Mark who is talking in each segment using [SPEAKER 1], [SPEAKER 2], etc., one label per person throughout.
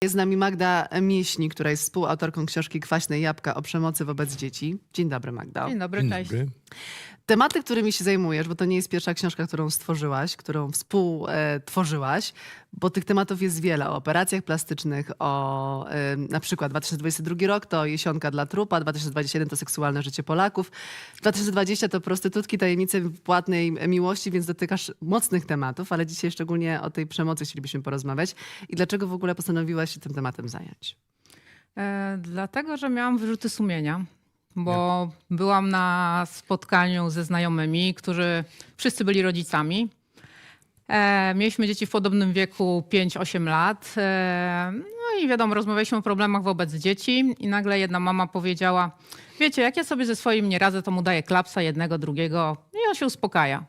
[SPEAKER 1] Jest z nami Magda Mieśnik, która jest współautorką książki Kwaśne jabłka o przemocy wobec dzieci. Dzień dobry, Magda.
[SPEAKER 2] Dzień dobry,
[SPEAKER 3] Dzień
[SPEAKER 2] cześć.
[SPEAKER 3] dobry.
[SPEAKER 1] Tematy, którymi się zajmujesz, bo to nie jest pierwsza książka, którą stworzyłaś, którą współtworzyłaś, bo tych tematów jest wiele. O operacjach plastycznych, o na przykład 2022 rok to Jesionka dla trupa, 2021 to seksualne życie Polaków, 2020 to prostytutki, tajemnice płatnej miłości, więc dotykasz mocnych tematów, ale dzisiaj szczególnie o tej przemocy chcielibyśmy porozmawiać. I dlaczego w ogóle postanowiłaś się tym tematem zająć?
[SPEAKER 2] Dlatego, że miałam wyrzuty sumienia, bo byłam na spotkaniu ze znajomymi, którzy wszyscy byli rodzicami. Mieliśmy dzieci w podobnym wieku 5-8 lat. No i wiadomo, rozmawialiśmy o problemach wobec dzieci i nagle jedna mama powiedziała: wiecie, jak ja sobie ze swoim nie radzę, to mu daję klapsa jednego, drugiego i on się uspokaja.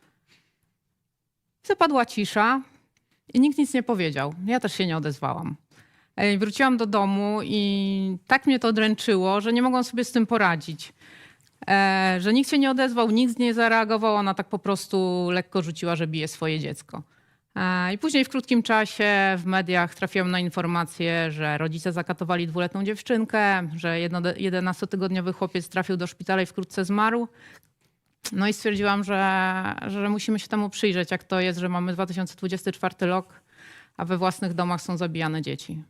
[SPEAKER 2] Zapadła cisza i nikt nic nie powiedział. Ja też się nie odezwałam. Wróciłam do domu i tak mnie to dręczyło, że nie mogłam sobie z tym poradzić. Że nikt się nie odezwał, nikt nie zareagował, ona tak po prostu lekko rzuciła, że bije swoje dziecko. I później w krótkim czasie w mediach trafiłam na informację, że rodzice zakatowali 2-letnią dziewczynkę, że 11-tygodniowy chłopiec trafił do szpitala i wkrótce zmarł. No i stwierdziłam, że musimy się temu przyjrzeć, jak to jest, że mamy 2024 rok, a we własnych domach są zabijane dzieci.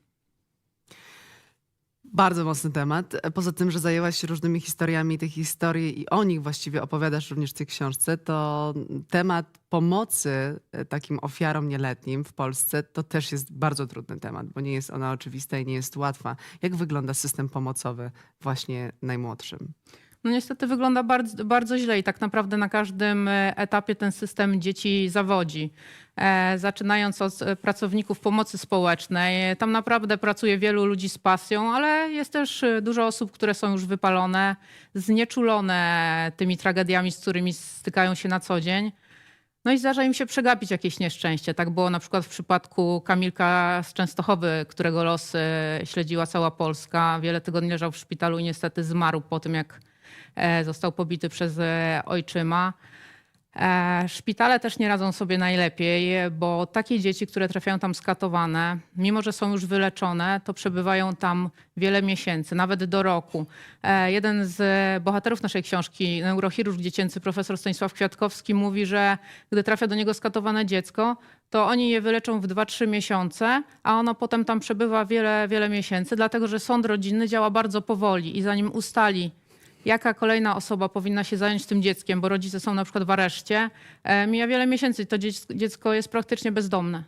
[SPEAKER 1] Bardzo mocny temat. Poza tym, że zajęłaś się różnymi historiami, tych historii i o nich właściwie opowiadasz również w tej książce, to temat pomocy takim ofiarom nieletnim w Polsce to też jest bardzo trudny temat, bo nie jest ona oczywista i nie jest łatwa. Jak wygląda system pomocowy właśnie najmłodszym?
[SPEAKER 2] No niestety wygląda bardzo, bardzo źle i tak naprawdę na każdym etapie ten system dzieci zawodzi. Zaczynając od pracowników pomocy społecznej. Tam naprawdę pracuje wielu ludzi z pasją, ale jest też dużo osób, które są już wypalone, znieczulone tymi tragediami, z którymi stykają się na co dzień. No i zdarza im się przegapić jakieś nieszczęście. Tak było na przykład w przypadku Kamilka z Częstochowy, którego los śledziła cała Polska. Wiele tygodni leżał w szpitalu i niestety zmarł po tym, jak został pobity przez ojczyma. Szpitale też nie radzą sobie najlepiej, bo takie dzieci, które trafiają tam skatowane, mimo że są już wyleczone, to przebywają tam wiele miesięcy, nawet do roku. Jeden z bohaterów naszej książki, neurochirurg dziecięcy profesor Stanisław Kwiatkowski, mówi, że gdy trafia do niego skatowane dziecko, to oni je wyleczą w 2-3 miesiące, a ono potem tam przebywa wiele, wiele miesięcy, dlatego że sąd rodzinny działa bardzo powoli i zanim ustali, jaka kolejna osoba powinna się zająć tym dzieckiem, bo rodzice są na przykład w areszcie, mija wiele miesięcy i to dziecko jest praktycznie bezdomne.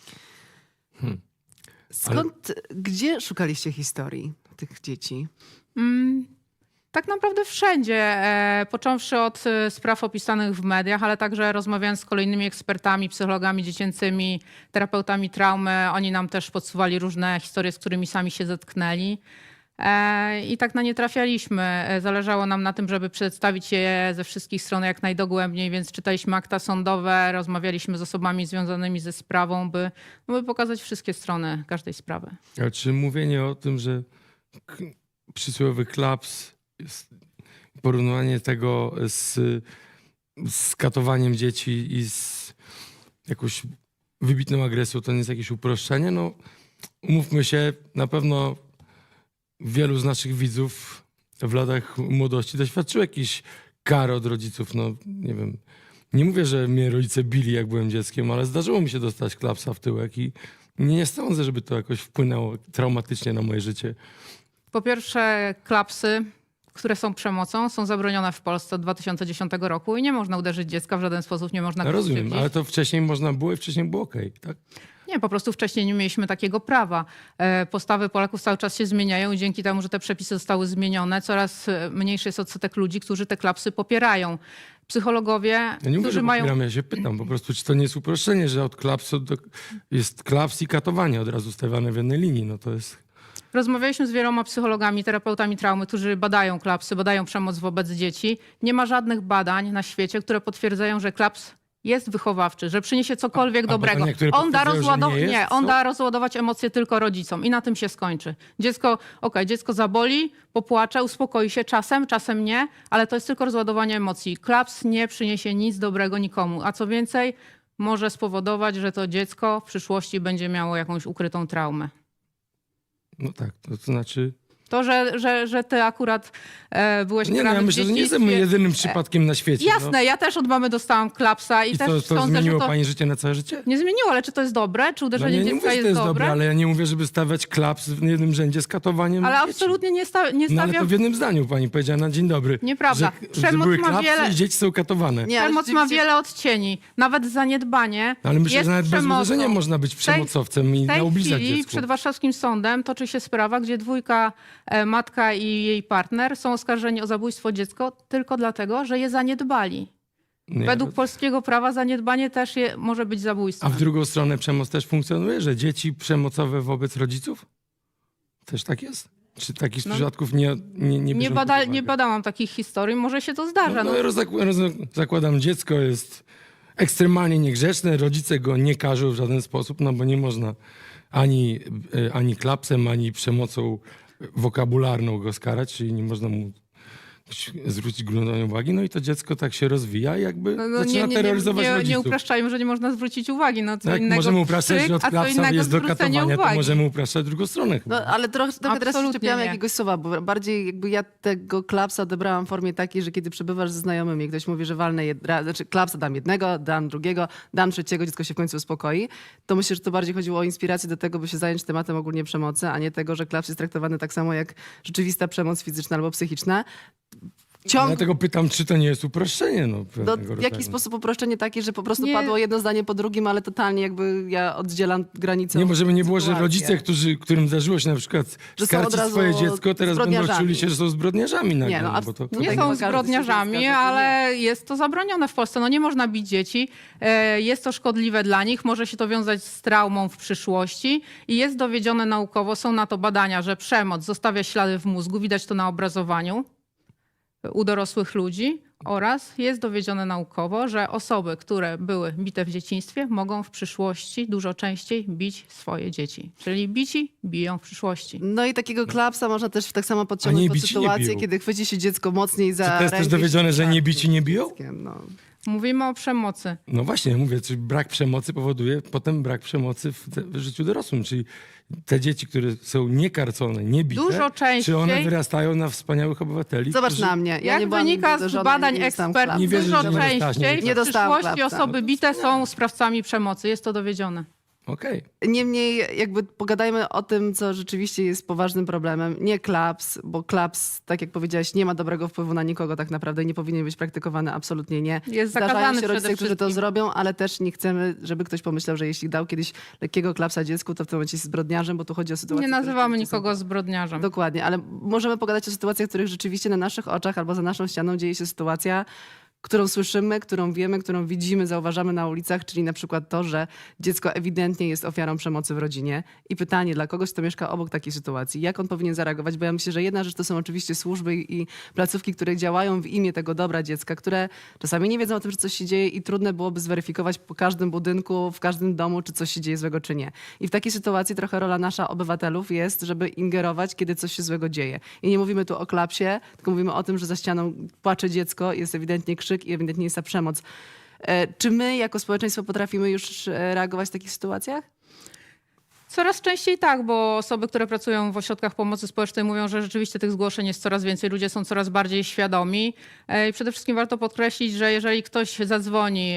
[SPEAKER 1] Gdzie szukaliście historii tych dzieci?
[SPEAKER 2] Tak naprawdę wszędzie, począwszy od spraw opisanych w mediach, ale także rozmawiając z kolejnymi ekspertami, psychologami dziecięcymi, terapeutami traumy. Oni nam też podsuwali różne historie, z którymi sami się zetknęli. I tak na nie trafialiśmy. Zależało nam na tym, żeby przedstawić je ze wszystkich stron jak najdogłębniej, więc czytaliśmy akta sądowe, rozmawialiśmy z osobami związanymi ze sprawą, by pokazać wszystkie strony każdej sprawy.
[SPEAKER 3] A czy mówienie o tym, że przysłowiowy klaps, porównywanie tego z katowaniem dzieci i z jakąś wybitną agresją, to nie jest jakieś uproszczenie? No, umówmy się, na pewno wielu z naszych widzów w latach młodości doświadczyło jakichś kar od rodziców. No nie wiem, nie mówię, że mnie rodzice bili, jak byłem dzieckiem, ale zdarzyło mi się dostać klapsa w tyłek i nie sądzę, żeby to jakoś wpłynęło traumatycznie na moje życie.
[SPEAKER 2] Po pierwsze, klapsy, które są przemocą, są zabronione w Polsce od 2010 roku i nie można uderzyć dziecka w żaden sposób, nie można go
[SPEAKER 3] Rozumiem,
[SPEAKER 2] skrzywdzić.
[SPEAKER 3] ale to wcześniej można było i wcześniej było okej, tak?
[SPEAKER 2] Nie, po prostu wcześniej nie mieliśmy takiego prawa. Postawy Polaków cały czas się zmieniają i dzięki temu, że te przepisy zostały zmienione, coraz mniejszy jest odsetek ludzi, którzy te klapsy popierają. Psychologowie,
[SPEAKER 3] Ja nie mówię,
[SPEAKER 2] którzy
[SPEAKER 3] że
[SPEAKER 2] mają...
[SPEAKER 3] popieram, ja się pytam po prostu, czy to nie jest uproszczenie, że od klapsu jest klaps i katowanie od razu stawiane w jednej linii. No to jest...
[SPEAKER 2] Rozmawialiśmy z wieloma psychologami, terapeutami traumy, którzy badają klapsy, badają przemoc wobec dzieci. Nie ma żadnych badań na świecie, które potwierdzają, że klaps jest wychowawczy, że przyniesie cokolwiek dobrego.
[SPEAKER 3] badania, które
[SPEAKER 2] On da,
[SPEAKER 3] potwierdzają, że nie jest,
[SPEAKER 2] on
[SPEAKER 3] co?
[SPEAKER 2] da rozładować emocje tylko rodzicom i na tym się skończy. Dziecko zaboli, popłacze, uspokoi się czasem, czasem nie, ale to jest tylko rozładowanie emocji. Klaps nie przyniesie nic dobrego nikomu, a co więcej, może spowodować, że to dziecko w przyszłości będzie miało jakąś ukrytą traumę.
[SPEAKER 3] No tak, to znaczy...
[SPEAKER 2] To, że ty akurat byłeś
[SPEAKER 3] Nie, no
[SPEAKER 2] karany
[SPEAKER 3] ja
[SPEAKER 2] w
[SPEAKER 3] myślę, że nie
[SPEAKER 2] dzieciństwie.
[SPEAKER 3] jestem jedynym przypadkiem na świecie.
[SPEAKER 2] Jasne, ja też od mamy dostałam klapsa i
[SPEAKER 3] I
[SPEAKER 2] też
[SPEAKER 3] to
[SPEAKER 2] sądzę,
[SPEAKER 3] zmieniło
[SPEAKER 2] że to
[SPEAKER 3] pani życie na całe życie?
[SPEAKER 2] nie zmieniło, ale czy to jest dobre? Czy
[SPEAKER 3] No
[SPEAKER 2] uderzenie
[SPEAKER 3] ja nie
[SPEAKER 2] dziecka
[SPEAKER 3] mówię, że to jest dobre,
[SPEAKER 2] dobre?
[SPEAKER 3] ale ja nie mówię, żeby stawiać klaps w jednym rzędzie z katowaniem
[SPEAKER 2] Ale
[SPEAKER 3] dzieci.
[SPEAKER 2] absolutnie nie
[SPEAKER 3] No ale
[SPEAKER 2] stawiam.
[SPEAKER 3] to w jednym zdaniu pani powiedziała na dzień dobry.
[SPEAKER 2] Nieprawda.
[SPEAKER 3] Że
[SPEAKER 2] Przemoc
[SPEAKER 3] były
[SPEAKER 2] ma
[SPEAKER 3] klapsy
[SPEAKER 2] wiele-
[SPEAKER 3] i dzieci są katowane.
[SPEAKER 1] Nie, ale
[SPEAKER 2] Przemoc ma
[SPEAKER 1] rzeczywiście-
[SPEAKER 2] wiele odcieni. Nawet zaniedbanie
[SPEAKER 3] Ale myślę,
[SPEAKER 2] jest
[SPEAKER 3] że nawet bez
[SPEAKER 2] przemocą.
[SPEAKER 3] uderzenia można być
[SPEAKER 2] W tej-
[SPEAKER 3] przemocowcem i
[SPEAKER 2] W tej
[SPEAKER 3] naubliżać
[SPEAKER 2] chwili
[SPEAKER 3] dziecku.
[SPEAKER 2] przed warszawskim sądem toczy się sprawa, gdzie dwójka, matka i jej partner są oskarżeni o zabójstwo dziecka tylko dlatego, że je zaniedbali.
[SPEAKER 3] Nie,
[SPEAKER 2] Według polskiego prawa zaniedbanie też może być
[SPEAKER 3] A
[SPEAKER 2] zabójstwem.
[SPEAKER 3] w drugą stronę przemoc też funkcjonuje, że dzieci przemocowe wobec rodziców? Też tak jest? Czy takich
[SPEAKER 2] No,
[SPEAKER 3] przypadków nie bierzą pod uwagę?
[SPEAKER 2] Nie badałam takich historii, może się to zdarza.
[SPEAKER 3] No, zakładam, dziecko jest ekstremalnie niegrzeczne, rodzice go nie karzą w żaden sposób, no bo nie można ani klapsem, ani przemocą wokabularną go skarać, czyli nie można mu zwrócić gruntownej uwagi, no i to dziecko tak się rozwija i jakby zaczyna terroryzować rodziców.
[SPEAKER 2] nie upraszczajmy, że nie można zwrócić uwagi. No, co
[SPEAKER 3] Tak,
[SPEAKER 2] innego
[SPEAKER 3] możemy upraszczać,
[SPEAKER 2] krzyk,
[SPEAKER 3] że od
[SPEAKER 2] a co
[SPEAKER 3] klapsa
[SPEAKER 2] innego
[SPEAKER 3] jest do
[SPEAKER 2] zwrócenie
[SPEAKER 3] katowania, to
[SPEAKER 2] uwagi.
[SPEAKER 3] możemy upraszczać drugą stronę chyba.
[SPEAKER 1] No, ale trochę teraz się
[SPEAKER 2] Absolutnie
[SPEAKER 1] czepiamy
[SPEAKER 2] nie.
[SPEAKER 1] jakiegoś słowa, bo bardziej jakby ja tego klapsa odebrałam w formie takiej, że kiedy przebywasz ze znajomymi, ktoś mówi, że walnę znaczy klapsa dam jednego, dam drugiego, dam trzeciego, dziecko się w końcu uspokoi, to myślę, że to bardziej chodziło o inspirację do tego, by się zająć tematem ogólnie przemocy, a nie tego, że klaps jest traktowany tak samo jak rzeczywista przemoc fizyczna albo psychiczna.
[SPEAKER 3] Dlatego pytam, czy to nie jest uproszczenie? No,
[SPEAKER 1] W
[SPEAKER 3] pewnego
[SPEAKER 1] jaki
[SPEAKER 3] rodzaju.
[SPEAKER 1] sposób uproszczenie takie, że po prostu
[SPEAKER 2] Nie.
[SPEAKER 1] padło jedno zdanie po drugim, ale totalnie jakby ja oddzielam granicę.
[SPEAKER 3] Nie, bo żeby nie było, że
[SPEAKER 1] sytuację.
[SPEAKER 3] rodzice, którym zdarzyło się na przykład
[SPEAKER 1] Że są
[SPEAKER 3] skarcić
[SPEAKER 1] od razu
[SPEAKER 3] swoje dziecko, teraz będą
[SPEAKER 1] zbrodniarzami.
[SPEAKER 3] czuli się, że są zbrodniarzami nagle.
[SPEAKER 1] Nie, no,
[SPEAKER 3] no, bo to,
[SPEAKER 2] Nie
[SPEAKER 1] Tak,
[SPEAKER 2] są
[SPEAKER 1] bo każdy się
[SPEAKER 2] zbrodniarzami,
[SPEAKER 1] zgadza, że
[SPEAKER 2] ale jest to zabronione w Polsce. No nie można bić dzieci. Jest to szkodliwe dla nich, może się to wiązać z traumą w przyszłości i jest dowiedzione naukowo, są na to badania, że przemoc zostawia ślady w mózgu, widać to na obrazowaniu u dorosłych ludzi oraz jest dowiedzione naukowo, że osoby, które były bite w dzieciństwie, mogą w przyszłości dużo częściej bić swoje dzieci. Czyli bici biją w przyszłości.
[SPEAKER 1] No i takiego klapsa można też tak samo podciągnąć
[SPEAKER 3] nie
[SPEAKER 1] pod
[SPEAKER 3] bici nie
[SPEAKER 1] sytuację,
[SPEAKER 3] biją.
[SPEAKER 1] kiedy chwyci się dziecko mocniej za
[SPEAKER 3] Czy to jest też
[SPEAKER 1] rękę
[SPEAKER 3] dowiedzione,
[SPEAKER 1] i
[SPEAKER 3] że nie
[SPEAKER 1] szarpie
[SPEAKER 3] bici nie biją?
[SPEAKER 1] dzieckiem, no.
[SPEAKER 2] Mówimy o przemocy.
[SPEAKER 3] No właśnie, ja mówię, czy brak przemocy powoduje potem brak przemocy w życiu dorosłym, czyli te dzieci, które są niekarcone, niebite,
[SPEAKER 2] Dużo częściej-
[SPEAKER 3] czy one wyrastają na wspaniałych obywateli?
[SPEAKER 1] Zobacz
[SPEAKER 3] którzy...
[SPEAKER 1] na mnie. Ja
[SPEAKER 2] Jak
[SPEAKER 1] nie byłam
[SPEAKER 2] wynika
[SPEAKER 1] nigdy
[SPEAKER 2] z
[SPEAKER 1] uderzona,
[SPEAKER 2] badań
[SPEAKER 1] nie dostałam
[SPEAKER 2] ekspertów,
[SPEAKER 1] klapsa.
[SPEAKER 3] Nie wierzę,
[SPEAKER 2] dużo
[SPEAKER 3] że nie dostałeś
[SPEAKER 2] częściej
[SPEAKER 3] nigdy.
[SPEAKER 2] w
[SPEAKER 1] Nie dostałam
[SPEAKER 2] przyszłości
[SPEAKER 1] klapsa.
[SPEAKER 2] osoby bite są sprawcami przemocy. Jest to dowiedzione.
[SPEAKER 3] Okej.
[SPEAKER 1] Niemniej jakby pogadajmy o tym, co rzeczywiście jest poważnym problemem. Nie klaps, bo klaps, tak jak powiedziałaś, nie ma dobrego wpływu na nikogo tak naprawdę i nie powinien być praktykowany, absolutnie nie.
[SPEAKER 2] Jest
[SPEAKER 1] Zdarzają
[SPEAKER 2] zakazany
[SPEAKER 1] się rodzice,
[SPEAKER 2] przede
[SPEAKER 1] którzy to
[SPEAKER 2] wszystkim.
[SPEAKER 1] zrobią, ale też nie chcemy, żeby ktoś pomyślał, że jeśli dał kiedyś lekkiego klapsa dziecku, to w tym momencie jest zbrodniarzem, bo tu chodzi o sytuację.
[SPEAKER 2] Nie
[SPEAKER 1] które
[SPEAKER 2] nazywamy
[SPEAKER 1] rzeczywiście są-
[SPEAKER 2] nikogo zbrodniarzem.
[SPEAKER 1] Dokładnie, ale możemy pogadać o sytuacjach, w których rzeczywiście na naszych oczach albo za naszą ścianą dzieje się sytuacja, którą słyszymy, którą wiemy, którą widzimy, zauważamy na ulicach, czyli na przykład to, że dziecko ewidentnie jest ofiarą przemocy w rodzinie. I pytanie dla kogoś, kto mieszka obok takiej sytuacji, jak on powinien zareagować? Bo ja myślę, że jedna rzecz to są oczywiście służby i placówki, które działają w imię tego dobra dziecka, które czasami nie wiedzą o tym, że coś się dzieje i trudno byłoby zweryfikować po każdym budynku, w każdym domu, czy coś się dzieje złego, czy nie. I w takiej sytuacji trochę rola nasza obywatelów jest, żeby ingerować, kiedy coś się złego dzieje. I nie mówimy tu o klapsie, tylko mówimy o tym, że za ścianą płacze dziecko, jest ewidentnie krzyk i ewidentnie jest ta przemoc. Czy my jako społeczeństwo potrafimy już reagować w takich sytuacjach?
[SPEAKER 2] Coraz częściej tak, bo osoby, które pracują w ośrodkach pomocy społecznej mówią, że rzeczywiście tych zgłoszeń jest coraz więcej, ludzie są coraz bardziej świadomi. I przede wszystkim warto podkreślić, że jeżeli ktoś zadzwoni,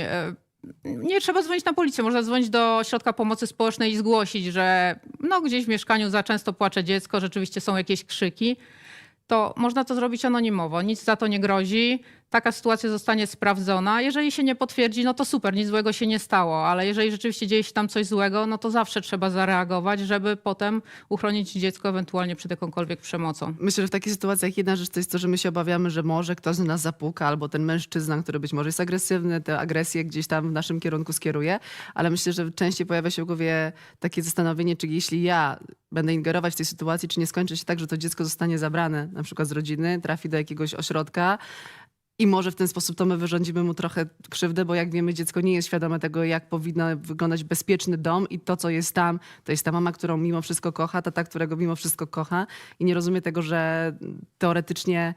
[SPEAKER 2] nie trzeba dzwonić na policję, można dzwonić do ośrodka pomocy społecznej i zgłosić, że no, gdzieś w mieszkaniu za często płacze dziecko, rzeczywiście są jakieś krzyki, to można to zrobić anonimowo, nic za to nie grozi. Taka sytuacja zostanie sprawdzona. Jeżeli się nie potwierdzi, no to super, nic złego się nie stało, ale jeżeli rzeczywiście dzieje się tam coś złego, no to zawsze trzeba zareagować, żeby potem uchronić dziecko ewentualnie przed jakąkolwiek przemocą.
[SPEAKER 1] Myślę, że w takich sytuacjach jedna rzecz to jest to, że my się obawiamy, że może ktoś do nas zapuka, albo ten mężczyzna, który być może jest agresywny, tę agresję gdzieś tam w naszym kierunku skieruje, ale myślę, że częściej pojawia się w głowie takie zastanowienie, czy jeśli ja będę ingerować w tej sytuacji, czy nie skończy się tak, że to dziecko zostanie zabrane na przykład z rodziny, trafi do jakiegoś ośrodka, i może w ten sposób to my wyrządzimy mu trochę krzywdę, bo jak wiemy, dziecko nie jest świadome tego, jak powinno wyglądać bezpieczny dom i to, co jest tam, to jest ta mama, którą mimo wszystko kocha, tata, którego mimo wszystko kocha i nie rozumie tego, że teoretycznie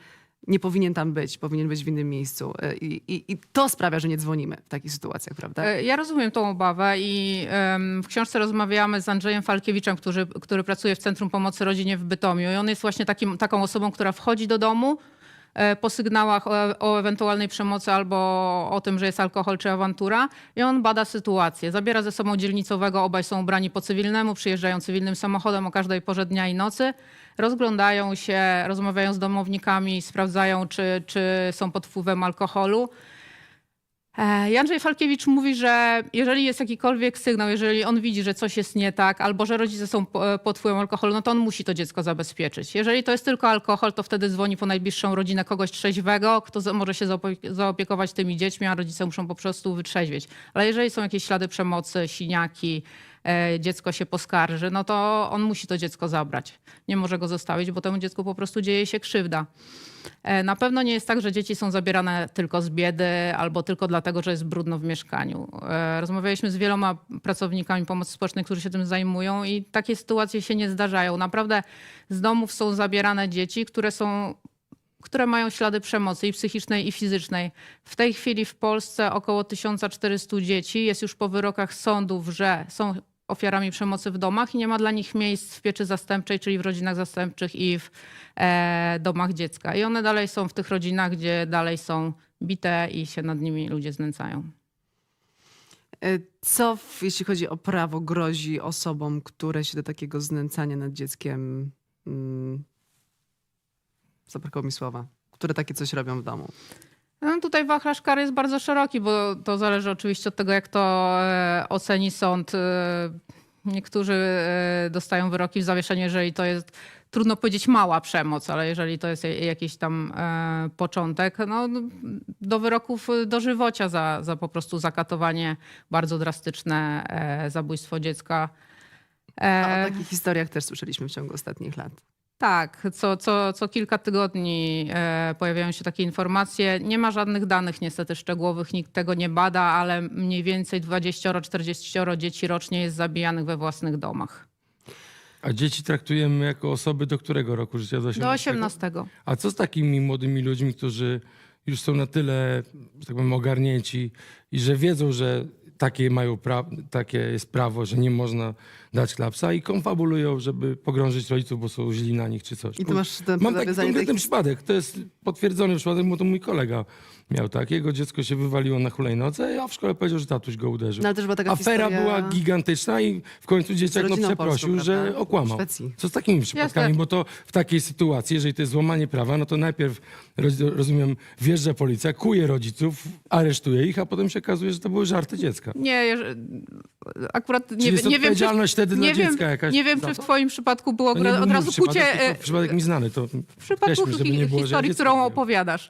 [SPEAKER 1] nie powinien tam być, powinien być w innym miejscu. I to sprawia, że nie dzwonimy w takich sytuacjach, prawda?
[SPEAKER 2] Ja rozumiem tą obawę i w książce rozmawiamy z Andrzejem Falkiewiczem, który pracuje w Centrum Pomocy Rodzinie w Bytomiu. I on jest właśnie taką osobą, która wchodzi do domu po sygnałach o ewentualnej przemocy albo o tym, że jest alkohol czy awantura i on bada sytuację. Zabiera ze sobą dzielnicowego, obaj są ubrani po cywilnemu, przyjeżdżają cywilnym samochodem o każdej porze dnia i nocy, rozglądają się, rozmawiają z domownikami, sprawdzają, czy są pod wpływem alkoholu. I Andrzej Falkiewicz mówi, że jeżeli jest jakikolwiek sygnał, jeżeli on widzi, że coś jest nie tak, albo że rodzice są pod wpływem alkoholu, no to on musi to dziecko zabezpieczyć. Jeżeli to jest tylko alkohol, to wtedy dzwoni po najbliższą rodzinę kogoś trzeźwego, kto może się zaopiekować tymi dziećmi, a rodzice muszą po prostu wytrzeźwieć. Ale jeżeli są jakieś ślady przemocy, siniaki, dziecko się poskarży, no to on musi to dziecko zabrać. Nie może go zostawić, bo temu dziecku po prostu dzieje się krzywda. Na pewno nie jest tak, że dzieci są zabierane tylko z biedy albo tylko dlatego, że jest brudno w mieszkaniu. Rozmawialiśmy z wieloma pracownikami pomocy społecznej, którzy się tym zajmują i takie sytuacje się nie zdarzają. Naprawdę z domów są zabierane dzieci, które mają ślady przemocy i psychicznej, i fizycznej. W tej chwili w Polsce około 1400 dzieci jest już po wyrokach sądów, że są ofiarami przemocy w domach i nie ma dla nich miejsc w pieczy zastępczej, czyli w rodzinach zastępczych i w domach dziecka. I one dalej są w tych rodzinach, gdzie dalej są bite i się nad nimi ludzie znęcają.
[SPEAKER 1] Co, jeśli chodzi o prawo, grozi osobom, które się do takiego znęcania nad dzieckiem, zabrakło mi słowa, które takie coś robią w domu?
[SPEAKER 2] No tutaj wachlarz kar jest bardzo szeroki, bo to zależy oczywiście od tego, jak to oceni sąd. Niektórzy dostają wyroki w zawieszeniu, jeżeli to jest, trudno powiedzieć, mała przemoc, ale jeżeli to jest jakiś tam początek, no, do wyroków dożywocia za po prostu zakatowanie, bardzo drastyczne zabójstwo dziecka.
[SPEAKER 1] A o takich historiach też słyszeliśmy w ciągu ostatnich lat.
[SPEAKER 2] Tak, co kilka tygodni pojawiają się takie informacje. Nie ma żadnych danych niestety szczegółowych, nikt tego nie bada, ale mniej więcej 20-40 dzieci rocznie jest zabijanych we własnych domach.
[SPEAKER 3] A dzieci traktujemy jako osoby do którego roku życia?
[SPEAKER 2] Do 18.
[SPEAKER 3] A co z takimi młodymi ludźmi, którzy już są na tyle, że tak powiem, ogarnięci i że wiedzą, że takie jest prawo, że nie można dać klapsa i konfabulują, żeby pogrążyć rodziców, bo są źli na nich czy coś.
[SPEAKER 1] I ty masz ten
[SPEAKER 3] Mam taki
[SPEAKER 1] nawiązanie
[SPEAKER 3] konkretny
[SPEAKER 1] do
[SPEAKER 3] przypadek. To jest potwierdzony przypadek, bo to mój kolega miał tak. Jego dziecko się wywaliło na hulajnodze, a w szkole powiedział, że tatuś go uderzył.
[SPEAKER 1] No, ale też była taka
[SPEAKER 3] Afera
[SPEAKER 1] historia
[SPEAKER 3] była gigantyczna i w końcu dzieciak
[SPEAKER 1] rodziną
[SPEAKER 3] przeprosił,
[SPEAKER 1] polską,
[SPEAKER 3] że
[SPEAKER 1] prawda?
[SPEAKER 3] okłamał.
[SPEAKER 1] W Szwecji.
[SPEAKER 3] Co z takimi przypadkami?
[SPEAKER 2] Jasne.
[SPEAKER 3] Bo to w takiej sytuacji, jeżeli to jest złamanie prawa, no to najpierw, rozumiem, wjeżdża policja, kuje rodziców, aresztuje ich, a potem się okazuje, że to były żarty dziecka.
[SPEAKER 2] Nie, akurat
[SPEAKER 3] Czyli jest
[SPEAKER 2] nie wiem,
[SPEAKER 3] odpowiedzialność wtedy dla dziecka jakaś
[SPEAKER 2] nie wiem,
[SPEAKER 3] za
[SPEAKER 2] czy w
[SPEAKER 3] to?
[SPEAKER 2] twoim przypadku było
[SPEAKER 3] To nie był
[SPEAKER 2] od
[SPEAKER 3] mój
[SPEAKER 2] razu
[SPEAKER 3] przypadek,
[SPEAKER 2] kucie...
[SPEAKER 3] tylko przypadek mi znany. To
[SPEAKER 2] W przypadku
[SPEAKER 3] weźmy, żeby nie było, że ja
[SPEAKER 2] historii,
[SPEAKER 3] dziecko
[SPEAKER 2] którą
[SPEAKER 3] mówię.
[SPEAKER 2] opowiadasz.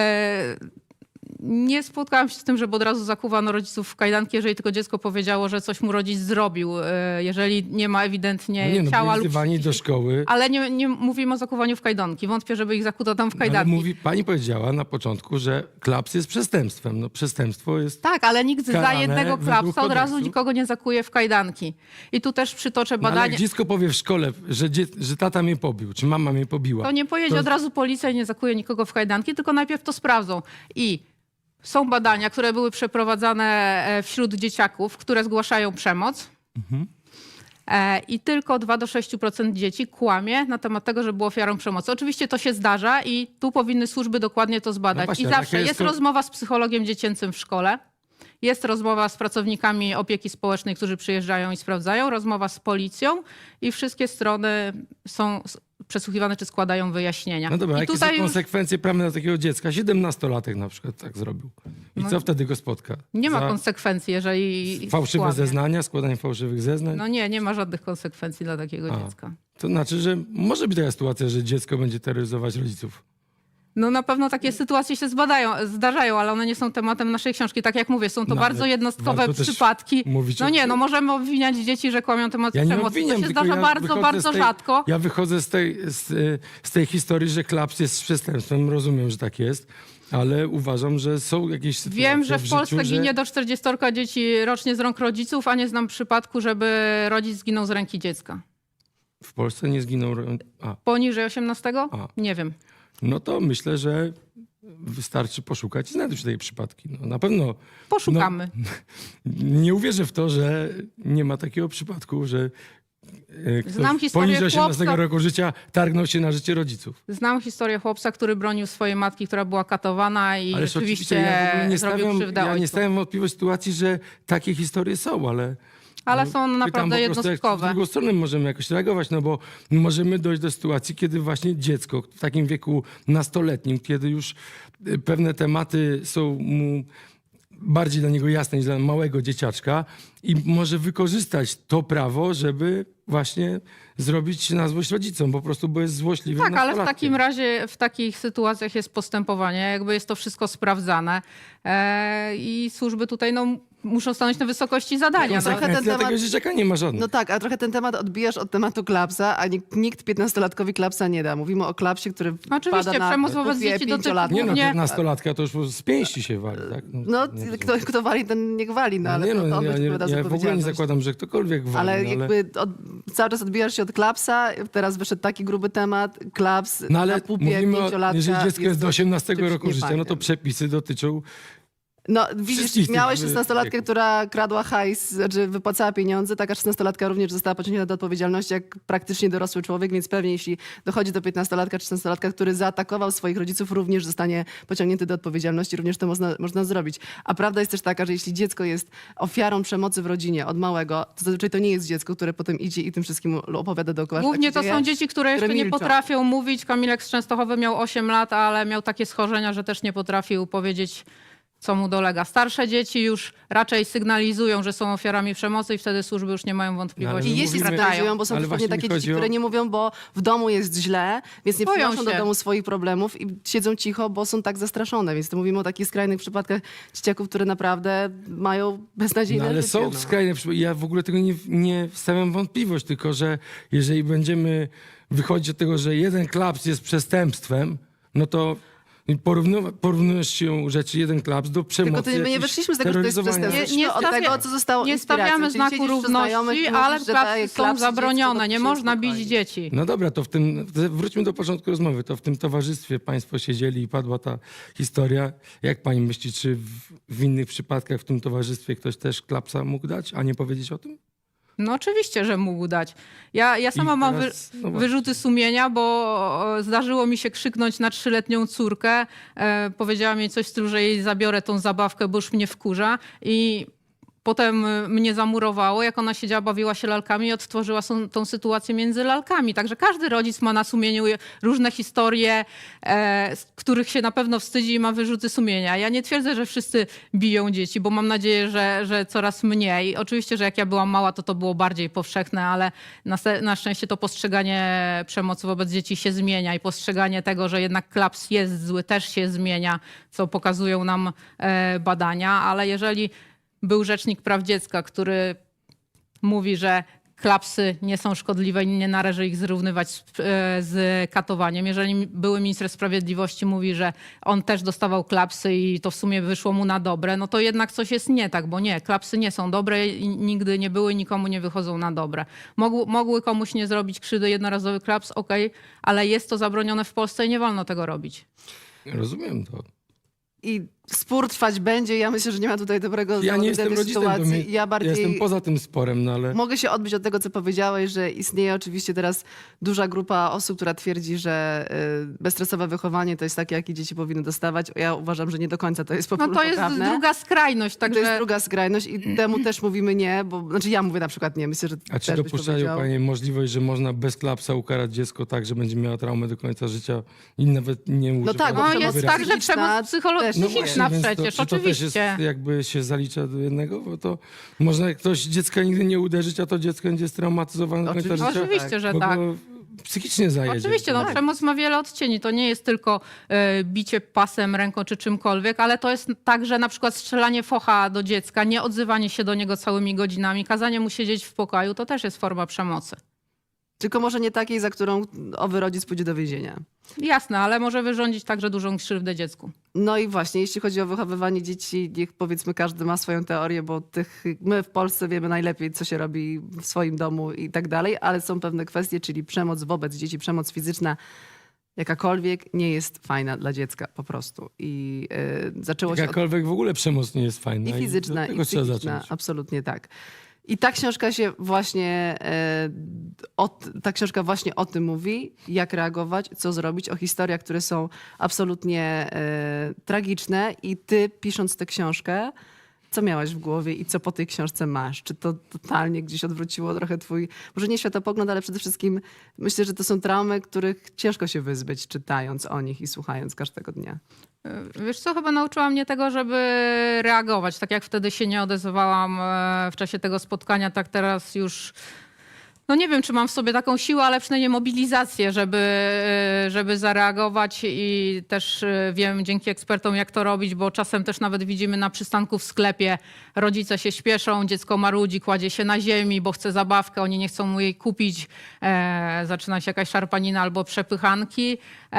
[SPEAKER 2] Nie spotkałam się z tym, żeby od razu zakuwano rodziców w kajdanki, jeżeli tylko dziecko powiedziało, że coś mu rodzic zrobił. Jeżeli nie ma ewidentnie
[SPEAKER 3] No nie, no,
[SPEAKER 2] ciała
[SPEAKER 3] byli
[SPEAKER 2] lub...
[SPEAKER 3] wzywani do szkoły.
[SPEAKER 2] Ale nie mówimy o zakuwaniu w kajdanki. Wątpię, żeby ich zakuto tam w
[SPEAKER 3] Ale
[SPEAKER 2] kajdanki.
[SPEAKER 3] pani powiedziała na początku, że klaps jest przestępstwem. No przestępstwo jest...
[SPEAKER 2] Tak, ale nikt za
[SPEAKER 3] karane
[SPEAKER 2] jednego
[SPEAKER 3] według
[SPEAKER 2] klapsa od razu
[SPEAKER 3] kodeksu.
[SPEAKER 2] nikogo nie zakuje w kajdanki. I tu też przytoczę
[SPEAKER 3] No, ale
[SPEAKER 2] badanie.
[SPEAKER 3] jak dziecko powie w szkole, że tata mnie pobił, czy mama mnie pobiła.
[SPEAKER 2] To nie pojedzie
[SPEAKER 3] to-
[SPEAKER 2] od razu policja i nie zakuje nikogo w kajdanki, tylko najpierw to sprawdzą. I są badania, które były przeprowadzane wśród dzieciaków, które zgłaszają przemoc. I tylko 2-6% dzieci kłamie na temat tego, że było ofiarą przemocy. Oczywiście to się zdarza i tu powinny służby dokładnie to zbadać.
[SPEAKER 3] No właśnie,
[SPEAKER 2] I
[SPEAKER 3] ale
[SPEAKER 2] zawsze
[SPEAKER 3] jaka
[SPEAKER 2] jest
[SPEAKER 3] jest
[SPEAKER 2] rozmowa z psychologiem dziecięcym w szkole. Jest rozmowa z pracownikami opieki społecznej, którzy przyjeżdżają i sprawdzają. Rozmowa z policją i wszystkie strony są przesłuchiwane czy składają wyjaśnienia.
[SPEAKER 3] No dobra,
[SPEAKER 2] I
[SPEAKER 3] jakie
[SPEAKER 2] tutaj
[SPEAKER 3] są
[SPEAKER 2] już
[SPEAKER 3] konsekwencje prawne dla takiego dziecka? 17-latek na przykład tak zrobił. I co wtedy go spotka?
[SPEAKER 2] nie ma
[SPEAKER 3] Za
[SPEAKER 2] konsekwencji, jeżeli
[SPEAKER 3] fałszywe
[SPEAKER 2] kłamie.
[SPEAKER 3] zeznania, składanie fałszywych zeznań?
[SPEAKER 2] No nie ma żadnych konsekwencji dla takiego dziecka.
[SPEAKER 3] To znaczy, że może być taka sytuacja, że dziecko będzie terroryzować rodziców.
[SPEAKER 2] No na pewno takie sytuacje się zdarzają, ale one nie są tematem naszej książki. Tak jak mówię, są to
[SPEAKER 3] No,
[SPEAKER 2] bardzo
[SPEAKER 3] ale
[SPEAKER 2] jednostkowe
[SPEAKER 3] warto też
[SPEAKER 2] przypadki.
[SPEAKER 3] mówić
[SPEAKER 2] No
[SPEAKER 3] o
[SPEAKER 2] nie,
[SPEAKER 3] tym.
[SPEAKER 2] no możemy obwiniać dzieci, że kłamią temat
[SPEAKER 3] Ja nie
[SPEAKER 2] przemocy.
[SPEAKER 3] obwiniam,
[SPEAKER 2] To się
[SPEAKER 3] tylko
[SPEAKER 2] zdarza
[SPEAKER 3] ja
[SPEAKER 2] bardzo,
[SPEAKER 3] wychodzę
[SPEAKER 2] bardzo
[SPEAKER 3] z tej-
[SPEAKER 2] rzadko.
[SPEAKER 3] Ja wychodzę z tej historii, że klaps jest przestępstwem. Rozumiem, że tak jest, ale uważam, że są jakieś sytuacje
[SPEAKER 2] Wiem, że w Polsce
[SPEAKER 3] życiu,
[SPEAKER 2] ginie do 40 dzieci rocznie z rąk rodziców, a nie znam przypadku, żeby rodzic zginął z ręki dziecka.
[SPEAKER 3] W Polsce nie zginął...
[SPEAKER 2] Poniżej 18?
[SPEAKER 3] A.
[SPEAKER 2] Nie wiem.
[SPEAKER 3] no to myślę, że wystarczy poszukać i znajdą się takie przypadki. No, na pewno
[SPEAKER 2] Poszukamy.
[SPEAKER 3] nie uwierzę w to, że nie ma takiego przypadku, że
[SPEAKER 2] Znam
[SPEAKER 3] ktoś
[SPEAKER 2] historię
[SPEAKER 3] poniżej 18
[SPEAKER 2] chłopca-
[SPEAKER 3] roku życia targnął się na życie rodziców.
[SPEAKER 2] Znam historię chłopca, który bronił swojej matki, która była katowana i
[SPEAKER 3] Ależ
[SPEAKER 2] rzeczywiście
[SPEAKER 3] oczywiście ja w ogóle nie
[SPEAKER 2] zrobił
[SPEAKER 3] stawiam,
[SPEAKER 2] krzywdę
[SPEAKER 3] ja nie
[SPEAKER 2] ojcu.
[SPEAKER 3] stawiam wątpliwości sytuacji, że takie historie są, ale...
[SPEAKER 2] Ale
[SPEAKER 3] no,
[SPEAKER 2] są
[SPEAKER 3] pytam
[SPEAKER 2] naprawdę
[SPEAKER 3] po prostu, jak w
[SPEAKER 2] jednostkowe.
[SPEAKER 3] drugą stronę możemy jakoś reagować, no bo możemy dojść do sytuacji, kiedy właśnie dziecko w takim wieku nastoletnim, kiedy już pewne tematy są mu bardziej dla niego jasne niż dla małego dzieciaczka i może wykorzystać to prawo, żeby właśnie zrobić na złość rodzicom, po prostu, bo jest złośliwym
[SPEAKER 2] Tak, ale w
[SPEAKER 3] nastolatkiem.
[SPEAKER 2] takim razie w takich sytuacjach jest postępowanie, jakby jest to wszystko sprawdzane i służby tutaj muszą stanąć na wysokości zadania. No.
[SPEAKER 1] trochę ten
[SPEAKER 3] Dla tego
[SPEAKER 1] temat-
[SPEAKER 3] dzieciaka nie ma żadnych.
[SPEAKER 1] No tak, a trochę ten temat odbijasz od tematu klapsa, a nikt 15-latkowi klapsa nie da. Mówimy o klapsie, który
[SPEAKER 2] Oczywiście,
[SPEAKER 1] pada na
[SPEAKER 2] przemoc wobec
[SPEAKER 1] pupie
[SPEAKER 2] dzieci dotyczy
[SPEAKER 1] 5-latka.
[SPEAKER 3] Nie no,
[SPEAKER 2] głównie-
[SPEAKER 3] 15-latka to już z pięści się wali, tak?
[SPEAKER 1] No,
[SPEAKER 3] nie
[SPEAKER 1] kto wali, ten niech wali, no ale
[SPEAKER 3] nie,
[SPEAKER 1] to
[SPEAKER 3] no,
[SPEAKER 1] on
[SPEAKER 3] ja,
[SPEAKER 1] będzie odpowiadał za
[SPEAKER 3] ja w ogóle nie
[SPEAKER 1] odpowiedzialność.
[SPEAKER 3] zakładam, że ktokolwiek wali,
[SPEAKER 1] Ale
[SPEAKER 3] no,
[SPEAKER 1] jakby cały czas odbijasz się od klapsa, teraz wyszedł taki gruby temat, klaps
[SPEAKER 3] No ale
[SPEAKER 1] na pupie
[SPEAKER 3] mówimy o,
[SPEAKER 1] 5-latka.
[SPEAKER 3] jeżeli dziecko jest do 18
[SPEAKER 1] czymś
[SPEAKER 3] roku życia, no to
[SPEAKER 1] niefajnym.
[SPEAKER 3] przepisy dotyczą...
[SPEAKER 1] No widzisz,
[SPEAKER 3] wszystkich tych
[SPEAKER 1] miałeś 16-latkę,
[SPEAKER 3] wieków.
[SPEAKER 1] która kradła hajs, znaczy wypłacała pieniądze, taka 16-latka również została pociągnięta do odpowiedzialności jak praktycznie dorosły człowiek, więc pewnie jeśli dochodzi do 15-latka czy 16-latka, który zaatakował swoich rodziców, również zostanie pociągnięty do odpowiedzialności, również to można zrobić. A prawda jest też taka, że jeśli dziecko jest ofiarą przemocy w rodzinie od małego, to zazwyczaj to nie jest dziecko, które potem idzie i tym wszystkim opowiada dookoła. że
[SPEAKER 2] Głównie
[SPEAKER 1] tak
[SPEAKER 2] to
[SPEAKER 1] się
[SPEAKER 2] są
[SPEAKER 1] dzieje.
[SPEAKER 2] dzieci, które jeszcze nie
[SPEAKER 1] milczą.
[SPEAKER 2] potrafią mówić. Kamilek z Częstochowy miał 8 lat, ale miał takie schorzenia, że też nie potrafił powiedzieć, co mu dolega. Starsze dzieci już raczej sygnalizują, że są ofiarami przemocy i wtedy służby już nie mają wątpliwości.
[SPEAKER 1] I jeśli
[SPEAKER 3] Mówimy-
[SPEAKER 1] sygnalizują, bo są
[SPEAKER 3] ale
[SPEAKER 1] dosłownie
[SPEAKER 3] właśnie
[SPEAKER 1] takie
[SPEAKER 3] mi chodzi
[SPEAKER 1] dzieci,
[SPEAKER 3] o-
[SPEAKER 1] które nie mówią, bo w domu jest źle, więc nie
[SPEAKER 2] Boją
[SPEAKER 1] przynoszą do
[SPEAKER 2] się.
[SPEAKER 1] domu swoich problemów i siedzą cicho, bo są tak zastraszone. Więc to mówimy o takich skrajnych przypadkach dzieciaków, które naprawdę mają beznadziejne
[SPEAKER 3] No, ale
[SPEAKER 1] życie.
[SPEAKER 3] są skrajne przypadki. Ja w ogóle tego nie stawiam wątpliwość, tylko że jeżeli będziemy wychodzić od tego, że jeden klaps jest przestępstwem, no to porównujesz się rzeczy jeden klaps do przemocy.
[SPEAKER 1] Tylko my nie
[SPEAKER 3] jakiejś
[SPEAKER 1] wyszliśmy z tego, że to jest
[SPEAKER 3] terroryzowania.
[SPEAKER 1] przestępstwo.
[SPEAKER 2] Nie
[SPEAKER 1] Od
[SPEAKER 2] stawia-
[SPEAKER 1] tego, co zostało
[SPEAKER 2] Nie
[SPEAKER 1] inspiracją.
[SPEAKER 2] stawiamy
[SPEAKER 1] Czyli
[SPEAKER 2] znaku
[SPEAKER 1] siedzisz wśród
[SPEAKER 2] równości,
[SPEAKER 1] znajomych i
[SPEAKER 2] ale
[SPEAKER 1] mówisz, że daje
[SPEAKER 2] klapsy są
[SPEAKER 1] klapsy
[SPEAKER 2] zabronione.
[SPEAKER 1] dziecku,
[SPEAKER 2] Nie
[SPEAKER 1] to
[SPEAKER 2] można bić
[SPEAKER 1] spokojnie.
[SPEAKER 2] dzieci.
[SPEAKER 3] No dobra, to wróćmy do początku rozmowy. To w tym towarzystwie państwo siedzieli i padła ta historia. Jak pani myśli, czy w innych przypadkach w tym towarzystwie ktoś też klapsa mógł dać, a nie powiedzieć o tym?
[SPEAKER 2] No oczywiście, że mógł dać. Ja sama mam
[SPEAKER 3] teraz, no właśnie.
[SPEAKER 2] wyrzuty sumienia, bo zdarzyło mi się krzyknąć na 3-letnią córkę. Powiedziała mi coś w stylu, że jej zabiorę tą zabawkę, bo już mnie wkurza. I potem mnie zamurowało, jak ona siedziała, bawiła się lalkami i odtworzyła tą sytuację między lalkami. Także każdy rodzic ma na sumieniu różne historie, z których się na pewno wstydzi i ma wyrzuty sumienia. Ja nie twierdzę, że wszyscy biją dzieci, bo mam nadzieję, że coraz mniej. Oczywiście, że jak ja byłam mała, to było bardziej powszechne, ale na szczęście to postrzeganie przemocy wobec dzieci się zmienia i postrzeganie tego, że jednak klaps jest zły, też się zmienia, co pokazują nam badania. Ale jeżeli był Rzecznik Praw Dziecka, który mówi, że klapsy nie są szkodliwe i nie należy ich zrównywać z katowaniem. Jeżeli były minister sprawiedliwości mówi, że on też dostawał klapsy i to w sumie wyszło mu na dobre, no to jednak coś jest nie tak, bo nie, klapsy nie są dobre i nigdy nie były i nikomu nie wychodzą na dobre. Mogły komuś nie zrobić krzywdy, jednorazowy klaps, okej, ale jest to zabronione w Polsce i nie wolno tego robić.
[SPEAKER 3] Rozumiem to.
[SPEAKER 1] I spór trwać będzie. Ja myślę, że nie ma tutaj dobrego
[SPEAKER 3] Ja nie jestem
[SPEAKER 1] tej
[SPEAKER 3] rodzicem,
[SPEAKER 1] sytuacji. Ja bardziej
[SPEAKER 3] jestem poza tym sporem, no ale...
[SPEAKER 1] mogę się odbić od tego, co powiedziałeś, że istnieje oczywiście teraz duża grupa osób, która twierdzi, że bezstresowe wychowanie to jest takie, jakie dzieci powinny dostawać. Ja uważam, że nie do końca to jest
[SPEAKER 2] No to jest
[SPEAKER 1] poprawne.
[SPEAKER 2] druga skrajność,
[SPEAKER 1] To jest
[SPEAKER 2] także
[SPEAKER 1] druga skrajność i temu też mówimy nie, bo znaczy ja mówię na przykład nie, myślę, że
[SPEAKER 3] A czy
[SPEAKER 1] też byś
[SPEAKER 3] dopuszczają
[SPEAKER 1] powiedział.
[SPEAKER 3] panie możliwość, że można bez klapsa ukarać dziecko tak, że będzie miała traumę do końca życia i nawet nie używa...
[SPEAKER 1] tak, bo
[SPEAKER 2] no
[SPEAKER 1] przemoc
[SPEAKER 2] jest
[SPEAKER 1] tak,
[SPEAKER 2] tak, że
[SPEAKER 1] psychiczna
[SPEAKER 2] przemoc
[SPEAKER 1] też
[SPEAKER 2] psychologiczna
[SPEAKER 1] jest.
[SPEAKER 2] przecież,
[SPEAKER 3] czy to też jest,
[SPEAKER 2] oczywiście.
[SPEAKER 3] jakby się zalicza do jednego, bo to można ktoś dziecka nigdy nie uderzyć, a to dziecko będzie straumatyzowane do końca
[SPEAKER 1] Oczywiście.
[SPEAKER 3] życia.
[SPEAKER 2] Oczywiście, że
[SPEAKER 3] bo
[SPEAKER 2] tak.
[SPEAKER 3] go psychicznie zajedzie.
[SPEAKER 2] Oczywiście, no,
[SPEAKER 1] Tak.
[SPEAKER 2] przemoc ma wiele odcieni. To nie jest tylko bicie pasem, ręką czy czymkolwiek, ale to jest także na przykład strzelanie focha do dziecka, nie odzywanie się do niego całymi godzinami, kazanie mu siedzieć w pokoju, to też jest forma przemocy.
[SPEAKER 1] Tylko może nie takiej, za którą owy rodzic pójdzie do więzienia.
[SPEAKER 2] Jasne, ale może wyrządzić także dużą krzywdę dziecku.
[SPEAKER 1] No i właśnie, jeśli chodzi o wychowywanie dzieci, niech powiedzmy każdy ma swoją teorię, bo my w Polsce wiemy najlepiej, co się robi w swoim domu i tak dalej, ale są pewne kwestie, czyli przemoc wobec dzieci, przemoc fizyczna Jakakolwiek nie jest fajna dla dziecka po prostu. I zaczęło się od...
[SPEAKER 3] Jakakolwiek w ogóle przemoc nie jest fajna.
[SPEAKER 1] I fizyczna,
[SPEAKER 3] od tego
[SPEAKER 1] i
[SPEAKER 3] trzeba
[SPEAKER 1] psychiczna.
[SPEAKER 3] zacząć.
[SPEAKER 1] Absolutnie tak. I ta książka się właśnie, ta książka właśnie o tym mówi, jak reagować, co zrobić, o historiach, które są absolutnie tragiczne. I ty, pisząc tę książkę, co miałaś w głowie i co po tej książce masz? Czy to totalnie gdzieś odwróciło trochę twój, może nie światopogląd, ale przede wszystkim myślę, że to są traumy, których ciężko się wyzbyć, czytając o nich i słuchając każdego dnia.
[SPEAKER 2] Wiesz co, chyba nauczyła mnie tego, żeby reagować. Tak jak wtedy się nie odezwałam w czasie tego spotkania, tak teraz już... No nie wiem, czy mam w sobie taką siłę, ale przynajmniej mobilizację, żeby zareagować i też wiem dzięki ekspertom, jak to robić, bo czasem też nawet widzimy na przystanku w sklepie, rodzice się śpieszą, dziecko marudzi, kładzie się na ziemi, bo chce zabawkę, oni nie chcą mu jej kupić, zaczyna się jakaś szarpanina albo przepychanki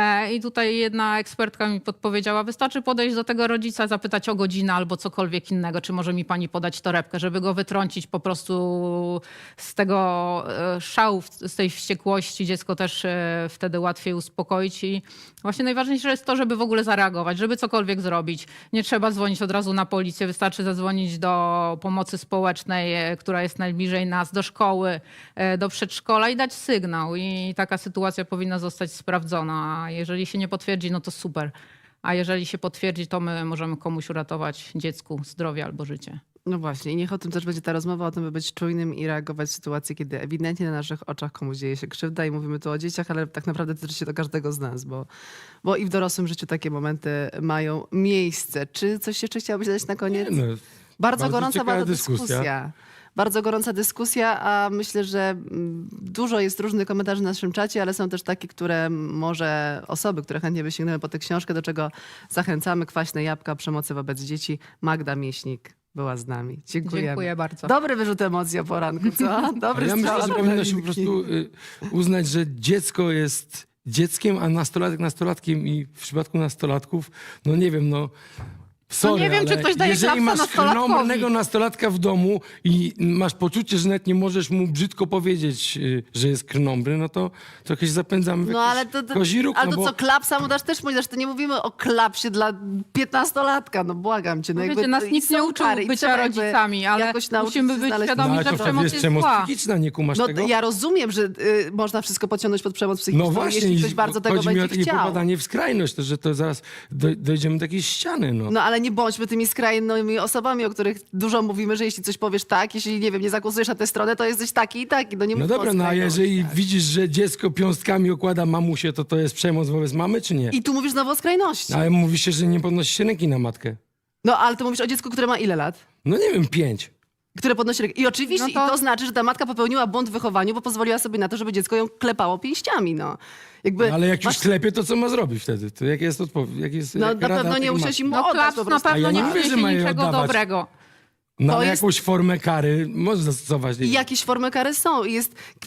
[SPEAKER 2] i tutaj jedna ekspertka mi podpowiedziała, wystarczy podejść do tego rodzica, zapytać o godzinę albo cokolwiek innego, czy może mi pani podać torebkę, żeby go wytrącić po prostu z tego szału, z tej wściekłości. Dziecko też wtedy łatwiej uspokoić i właśnie najważniejsze jest to, żeby w ogóle zareagować, żeby cokolwiek zrobić. Nie trzeba dzwonić od razu na policję, wystarczy zadzwonić do pomocy społecznej, która jest najbliżej nas, do szkoły, do przedszkola i dać sygnał. I taka sytuacja powinna zostać sprawdzona. A jeżeli się nie potwierdzi, no to super. A jeżeli się potwierdzi, to my możemy komuś uratować dziecku zdrowie albo życie.
[SPEAKER 1] No właśnie i niech o tym też będzie ta rozmowa, o tym, by być czujnym i reagować w sytuacji, kiedy ewidentnie na naszych oczach komuś dzieje się krzywda i mówimy tu o dzieciach, ale tak naprawdę tyczy się to każdego z nas, bo i w dorosłym życiu takie momenty mają miejsce. Czy coś jeszcze chciałabyś dodać na koniec?
[SPEAKER 3] Nie, no,
[SPEAKER 1] Bardzo
[SPEAKER 3] bardzo
[SPEAKER 1] gorąca
[SPEAKER 3] ciekawa
[SPEAKER 1] była to
[SPEAKER 3] dyskusja.
[SPEAKER 1] dyskusja. Bardzo gorąca dyskusja, a myślę, że dużo jest różnych komentarzy na naszym czacie, ale są też takie, które może osoby, które chętnie by sięgnęły po tę książkę, do czego zachęcamy. Kwaśne jabłka, przemocy wobec dzieci. Magda Mieśnik była z nami. Dziękujemy.
[SPEAKER 2] Dziękuję bardzo.
[SPEAKER 1] Dobry wyrzut emocji o poranku, co? Dobry
[SPEAKER 3] Ja
[SPEAKER 1] strzał
[SPEAKER 3] myślę, że
[SPEAKER 1] od
[SPEAKER 3] powinno się po
[SPEAKER 1] Weroniki.
[SPEAKER 3] prostu uznać, że dziecko jest dzieckiem, a nastolatek nastolatkiem i w przypadku nastolatków, no nie wiem, no sorry,
[SPEAKER 2] nie wiem, czy
[SPEAKER 3] ale
[SPEAKER 2] ktoś daje
[SPEAKER 3] jeżeli
[SPEAKER 2] klapsa
[SPEAKER 3] masz
[SPEAKER 2] nastolatkowi.
[SPEAKER 3] krnąbrnego nastolatka w domu i masz poczucie, że nawet nie możesz mu brzydko powiedzieć, że jest krnąbry, no to jakieś zapędzamy w
[SPEAKER 1] No
[SPEAKER 3] jakiś
[SPEAKER 1] ale to,
[SPEAKER 3] kozi róg,
[SPEAKER 1] ale
[SPEAKER 3] no
[SPEAKER 1] to
[SPEAKER 3] bo...
[SPEAKER 1] co, klapsa mu dasz też powiedzieć, to nie mówimy o klapsie dla 15-latka, no błagam cię. No
[SPEAKER 2] Wiecie,
[SPEAKER 1] jakby
[SPEAKER 2] nas
[SPEAKER 1] to- i
[SPEAKER 2] nikt nie
[SPEAKER 1] są
[SPEAKER 2] uczył
[SPEAKER 1] kary i
[SPEAKER 2] bycia
[SPEAKER 1] trzeba jakby
[SPEAKER 2] rodzicami, ale
[SPEAKER 1] jakoś nauczyć
[SPEAKER 2] musimy
[SPEAKER 1] się
[SPEAKER 2] być
[SPEAKER 1] znaleźć-
[SPEAKER 2] świadomi,
[SPEAKER 3] No, ale
[SPEAKER 2] że
[SPEAKER 3] to wtedy
[SPEAKER 2] przemoc
[SPEAKER 3] jest
[SPEAKER 2] jest
[SPEAKER 3] przemoc
[SPEAKER 2] zła.
[SPEAKER 3] psychiczna, nie kumasz
[SPEAKER 1] No
[SPEAKER 3] tego?
[SPEAKER 1] ja rozumiem, że można wszystko podciągnąć pod przemoc psychiczną,
[SPEAKER 3] No właśnie,
[SPEAKER 1] jeśli
[SPEAKER 3] i
[SPEAKER 1] ktoś bardzo tego
[SPEAKER 3] chodzi mi o
[SPEAKER 1] będzie
[SPEAKER 3] takie
[SPEAKER 1] chciał.
[SPEAKER 3] popadanie w skrajność, to, że to zaraz dojdziemy do jakiejś ściany, no.
[SPEAKER 1] No ale nie bądźmy tymi skrajnymi osobami, o których dużo mówimy, że jeśli coś powiesz tak, jeśli nie wiem, nie zagłosujesz na tę stronę, to jesteś taki i taki. No nie
[SPEAKER 3] No
[SPEAKER 1] mówmy o
[SPEAKER 3] dobra, no a
[SPEAKER 1] skrajności.
[SPEAKER 3] jeżeli widzisz, że dziecko piąstkami okłada mamusię, to jest przemoc wobec mamy, czy nie?
[SPEAKER 1] I tu mówisz znowu o skrajności.
[SPEAKER 3] Ale mówi się, że nie podnosi się ręki na matkę.
[SPEAKER 1] No ale to mówisz o dziecku, które ma ile lat?
[SPEAKER 3] No nie wiem, 5.
[SPEAKER 1] Które podnosi rękę. I oczywiście
[SPEAKER 2] No to-
[SPEAKER 1] i to znaczy, że ta matka popełniła błąd w wychowaniu, bo pozwoliła sobie na to, żeby dziecko ją klepało pięściami, no. Jakby
[SPEAKER 3] No, ale jak
[SPEAKER 1] masz-
[SPEAKER 3] już klepie, to co ma zrobić wtedy? To jak jest odpowiedź? Jak jest,
[SPEAKER 1] No
[SPEAKER 3] jaka
[SPEAKER 1] na
[SPEAKER 3] rada
[SPEAKER 1] pewno nie
[SPEAKER 3] tej
[SPEAKER 1] musisz
[SPEAKER 3] matki?
[SPEAKER 1] im
[SPEAKER 2] No
[SPEAKER 1] oddać
[SPEAKER 2] klaps
[SPEAKER 1] po
[SPEAKER 2] na
[SPEAKER 1] prostu.
[SPEAKER 2] pewno
[SPEAKER 3] A ja
[SPEAKER 2] nie
[SPEAKER 3] nie mówię, że
[SPEAKER 2] przyniesie
[SPEAKER 3] ma je
[SPEAKER 2] niczego
[SPEAKER 3] oddawać.
[SPEAKER 2] dobrego.
[SPEAKER 3] No,
[SPEAKER 1] to
[SPEAKER 3] ale
[SPEAKER 1] jest-
[SPEAKER 3] jakąś formę kary można zastosować. nie
[SPEAKER 1] I
[SPEAKER 3] wiem.
[SPEAKER 1] jakieś formy kary są. I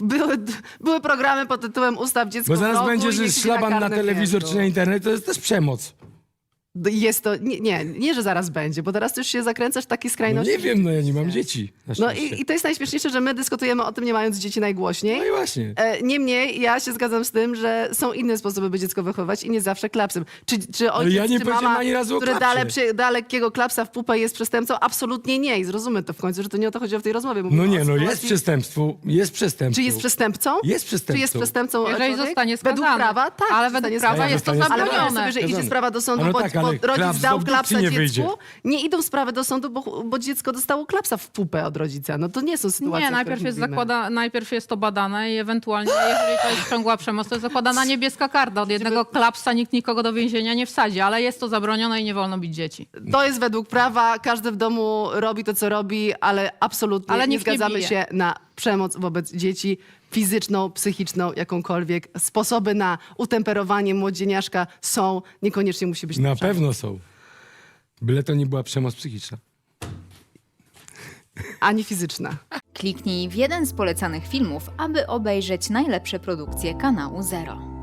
[SPEAKER 1] były programy pod tytułem Ustaw dziecko
[SPEAKER 3] Bo
[SPEAKER 1] w
[SPEAKER 3] zaraz
[SPEAKER 1] rogu
[SPEAKER 3] będzie,
[SPEAKER 1] i
[SPEAKER 3] że
[SPEAKER 1] niech idzie
[SPEAKER 3] szlaban na
[SPEAKER 1] karne
[SPEAKER 3] telewizor
[SPEAKER 1] piętro.
[SPEAKER 3] czy na internet, to jest też przemoc.
[SPEAKER 1] Jest to, nie, że zaraz będzie, bo teraz już się zakręcasz w takie
[SPEAKER 3] No
[SPEAKER 1] skrajności.
[SPEAKER 3] nie wiem, no ja nie mam dzieci. Na
[SPEAKER 1] No
[SPEAKER 3] szczęście.
[SPEAKER 1] i to jest najśmieszniejsze, że my dyskutujemy o tym, nie mając dzieci najgłośniej.
[SPEAKER 3] No i właśnie.
[SPEAKER 1] Niemniej ja się zgadzam z tym, że są inne sposoby, by dziecko wychowywać i nie zawsze klapsem. Czy ojciec,
[SPEAKER 3] ja nie
[SPEAKER 1] czy
[SPEAKER 3] powiedziałem
[SPEAKER 1] mama,
[SPEAKER 3] ani razu o
[SPEAKER 1] który
[SPEAKER 3] klapsie.
[SPEAKER 1] da lekkiego klapsa w pupę jest przestępcą? Absolutnie nie. I zrozummy to w końcu, że to nie o to chodziło w tej rozmowie. Mówimy
[SPEAKER 3] No nie,
[SPEAKER 1] o
[SPEAKER 3] no
[SPEAKER 1] sytuacji-
[SPEAKER 3] jest przestępstwo. Jest przestępstwo.
[SPEAKER 1] Czy jest przestępcą?
[SPEAKER 3] Jest przestępcą.
[SPEAKER 1] Czy jest przestępcą
[SPEAKER 2] Jeżeli
[SPEAKER 1] człowiek?
[SPEAKER 2] zostanie skazany.
[SPEAKER 1] Według prawa, tak.
[SPEAKER 2] Ale
[SPEAKER 1] zostanie
[SPEAKER 2] według prawa
[SPEAKER 1] skazany.
[SPEAKER 2] jest to
[SPEAKER 3] Ale
[SPEAKER 1] Ale wyobraź
[SPEAKER 2] zabronione.
[SPEAKER 1] sobie, że idzie sprawa do sądu,
[SPEAKER 3] No
[SPEAKER 1] bo,
[SPEAKER 3] tak, ale
[SPEAKER 1] bo rodzic
[SPEAKER 3] klaps
[SPEAKER 1] dał
[SPEAKER 3] do
[SPEAKER 1] klapsa
[SPEAKER 3] dupki nie
[SPEAKER 1] dziecku.
[SPEAKER 3] wyjdzie.
[SPEAKER 1] Nie idą sprawy do sądu, bo dziecko dostało klapsa w pupę od rodzica. No to nie są sytuacje,
[SPEAKER 2] Nie,
[SPEAKER 1] o których mówimy.
[SPEAKER 2] najpierw jest to badane i ewentualnie, jeżeli to jest ciągła przemoc, to jest zakładana niebieska karta. Od jednego klapsa nikt nikogo do więzienia nie wsadzi, ale jest to zabronione i nie wolno bić dzieci.
[SPEAKER 1] To jest według prawa, każdy w domu robi to, co robi, ale absolutnie
[SPEAKER 2] Ale
[SPEAKER 1] nie
[SPEAKER 2] nikt nie
[SPEAKER 1] zgadzamy
[SPEAKER 2] bije.
[SPEAKER 1] się na przemoc wobec dzieci, fizyczną, psychiczną, jakąkolwiek. Sposoby na utemperowanie młodzieniaszka są, niekoniecznie musi być to
[SPEAKER 3] Na
[SPEAKER 1] przemoc.
[SPEAKER 3] pewno są. Byle to nie była przemoc psychiczna.
[SPEAKER 1] Ani fizyczna.
[SPEAKER 4] Kliknij w jeden z polecanych filmów, aby obejrzeć najlepsze produkcje kanału Zero.